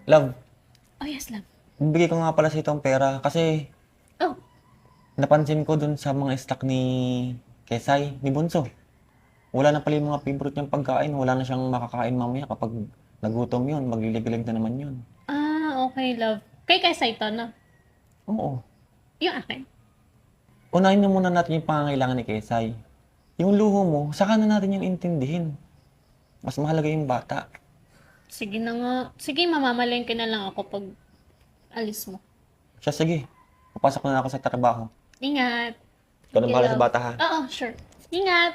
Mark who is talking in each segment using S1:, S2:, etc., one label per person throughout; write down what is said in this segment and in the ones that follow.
S1: Love,
S2: Oh, yes, love.
S1: bibigay ko nga pala sa itong pera kasi
S2: Oh,
S1: napansin ko dun sa mga stock ni Kesay, ni Bunso. Wala na pala yung mga favorite niyang pagkain. Wala na siyang makakain mamaya kapag nagutom yun. Maglilig-lig na naman yun.
S2: okay, love. Kay ito, no?
S1: Oo.
S2: Yung akin.
S1: Unahin na muna natin yung pangangailangan ni Kesay. Yung luho mo, saka na natin yung intindihin. Mas mahalaga yung bata.
S2: Sige na nga. Sige, mamamalengke na lang ako pag alis mo.
S1: Siya, sige. Papasok na ako sa trabaho.
S2: Ingat.
S1: Ikaw na
S2: Sige,
S1: bahala sa
S2: love.
S1: bata, ha?
S2: Oo, sure. Ingat.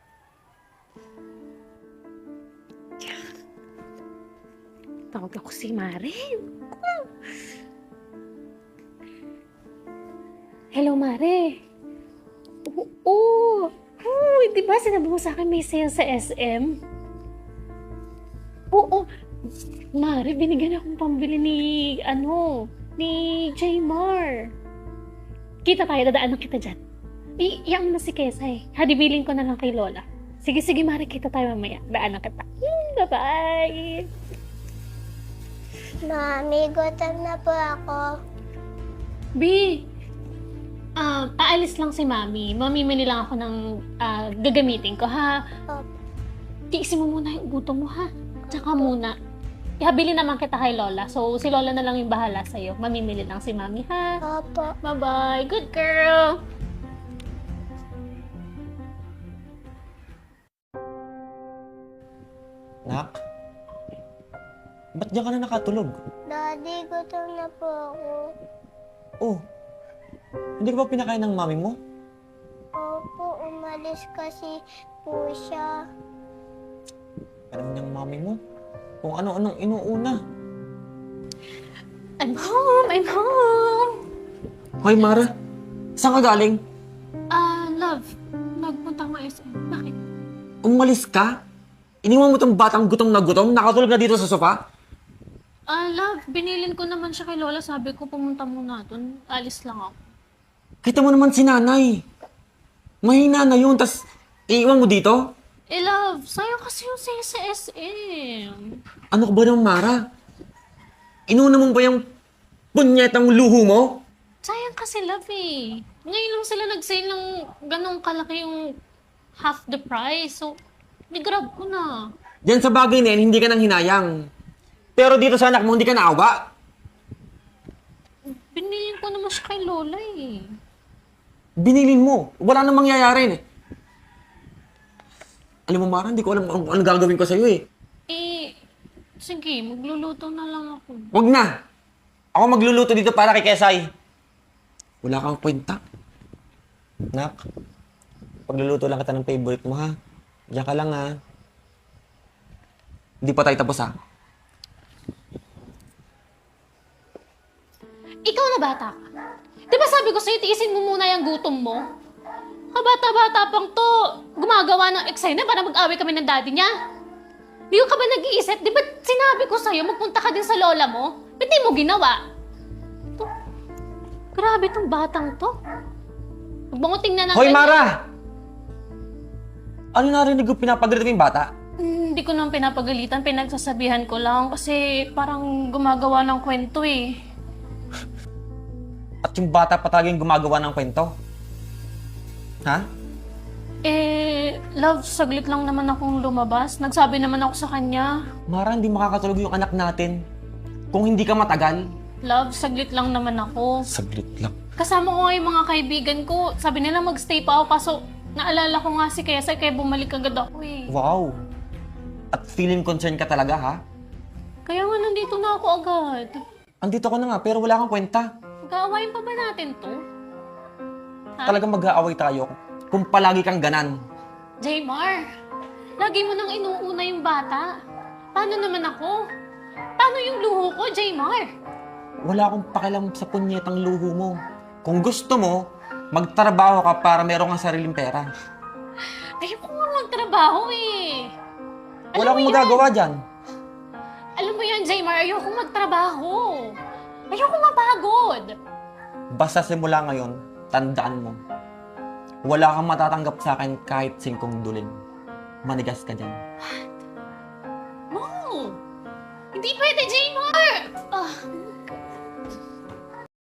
S2: Tawag ako si Mare. Hello, Mare. Oo. Uy, di ba sinabi mo sa akin may sale sa SM? Oo. Mare, binigyan akong pambili ni Jaymar. Kita tayo, dadaanan kita dyan. Iyang na si Kesay. Hadibilin ko na lang kay Lola. Sige, sige, Mare, kita tayo mamaya. Daanan kita. Bye-bye.
S3: Mami, gutom na po ako.
S2: B, aalis lang si Mami. Mamimili lang ako ng gagamitin ko, ha?
S3: Opo.
S2: Tiisin mo muna yung gutom mo, ha? Tsaka muna. Ihabili naman kita kay Lola. So, si Lola na lang yung bahala sa'yo. Mamimili lang si Mami, ha?
S3: Opo.
S2: Bye-bye. Good girl.
S1: Nak? Ba't diyan ka na nakatulog?
S3: Daddy, gutom na po ako.
S1: Oh, hindi ka ba pinakain ng mami mo?
S3: Opo, umalis kasi po siya.
S1: Alam niyang mami mo? Kung ano-anong inuuna.
S2: I'm home. I'm home.
S1: Hoy, Mara. Saan ka galing?
S2: Love. Nagpunta ko SM. Bakit?
S1: Umalis ka? Iniwan mo tong batang gutom na gutom? Nakatulog na dito sa sofa?
S2: Love. Binilin ko naman siya kay Lola. Sabi ko, pumunta muna doon. Alis lang ako.
S1: Kita mo naman si nanay. Mahina na yun, tas iiwan mo dito?
S2: Love. Sayang kasi yung sale sa SM.
S1: Ano ka ba naman, Mara? Inuna mo ba yung punyetang luho mo?
S2: Sayang kasi, love eh. Ngayon lang sila nag-sale ng ganong kalaki yung half the price. So, ni-grab ko na.
S1: Diyan sa bagay na yan, hindi ka nang hinayang. Pero dito sa anak mo, hindi ka naawa.
S2: Binilin ko naman siya kay Lola eh.
S1: Binilin mo. Wala nang mangyayari. Alam mo, Mara, hindi ko alam ano gagawin ko sa'yo eh.
S2: Sige, magluluto na lang ako.
S1: Wag na. Ako magluluto dito para kay Kesay. Wala kang kwenta. Nak, pagluluto lang kita ng favorite mo, ha? Diyan ka lang, ha? Hindi pa tayo tapos, ha?
S2: Ikaw na bata ka. Di ba sabi ko sa'yo, tiisin mo muna yung gutom mo? Kabata-bata pang to, gumagawa ng eksena para mag-away kami ng daddy niya. Di ka ba nag-iisip? Di ba sinabi ko sa'yo, magpunta ka din sa lola mo? Ba't di mo ginawa? To, grabe tong batang to. Huwag mo ko tingnan ng
S1: Hoy,
S2: ganyan.
S1: Mara! Ano narinig ko pinapagalitan mo yung bata?
S2: Hindi ko naman pinapagalitan, pinagsasabihan ko lang kasi parang gumagawa ng kwento eh.
S1: At yung bata pa talaga yung gumagawa ng kwento? Ha?
S2: Love, saglit lang naman akong lumabas. Nagsabi naman ako sa kanya.
S1: Mara, hindi makakatulog yung anak natin. Kung hindi ka matagal.
S2: Love, saglit lang naman ako.
S1: Saglit lang.
S2: Kasama ko nga yung mga kaibigan ko. Sabi nila magstay pa ako kaso naalala ko nga si Kesay kaya bumalik agad ako eh.
S1: Wow. At feeling concerned ka talaga, ha?
S2: Kaya nga nandito na ako agad.
S1: Andito ko na nga, pero wala kang kwenta.
S2: Mag-aawayin pa ba natin to? Ha?
S1: Talagang mag-aaway tayo kung palagi kang ganan.
S2: Jaymar, lagi mo nang inuuna yung bata. Paano naman ako? Paano yung luho ko, Jaymar?
S1: Wala akong pakialam sa punyetang luho mo. Kung gusto mo, magtrabaho ka para meron kang sariling pera.
S2: Ayoko nga magtrabaho eh.
S1: Wala akong magagawa dyan.
S2: Alam mo yan, Jaymar, ayoko magtrabaho. Ayoko mapagod.
S1: Basta simula ngayon, tandaan mo. Wala kang matatanggap sa akin kahit 5 dulin. Manigas ka dyan.
S2: No! Hindi pwede, Jaymar! Ah,